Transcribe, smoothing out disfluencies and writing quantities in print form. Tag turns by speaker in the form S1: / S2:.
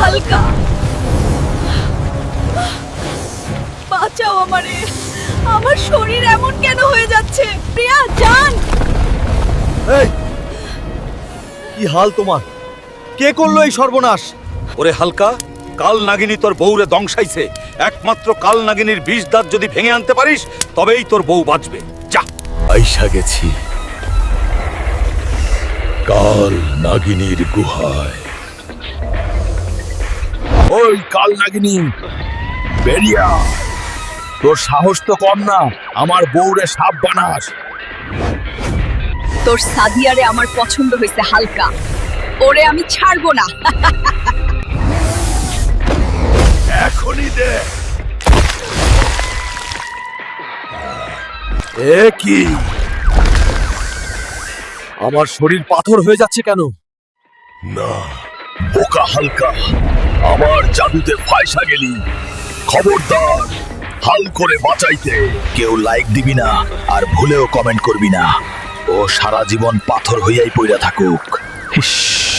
S1: হালকা, বাঁচাও আমারে। আমার শরীর এমন কেন হয়ে যাচ্ছে? প্রিয়া জান,
S2: এই কি হাল তোমার? কে করলো এই সর্বনাশ?
S3: ওরে হালকা, কাল নাগিনী তোর বউরে দংশাইছে। একমাত্র কাল নাগিনীর বিষ দাঁত যদি ভেঙে আনতে পারিস তবেই তোর বউ বাঁচবে। যা।
S4: আইসা গেছি কাল নাগিনীর গুহায়। ওই কাল নাগিনী, বেরিয়া! তোর সাহস তো কম না, আমার বউরে সাপ বানাস।
S1: তোর সাদিয়ারে আমার পছন্দ হয়েছে হালকা, ওরে আমি ছাড়বো না।
S4: এখনই দে। এ কি?
S2: আমার শরীর পাথর হয়ে যাচ্ছে কেন?
S4: না, বোকা হালকা, আমার জাদুতে ফায়সা গেলি। খবরদার, হাল করে বাঁচাইতে কেউ লাইক দিবি না আর ভুলেও কমেন্ট করবি না। ও সারা জীবন পাথর হইয়াই পইরা থাকুক। হিস।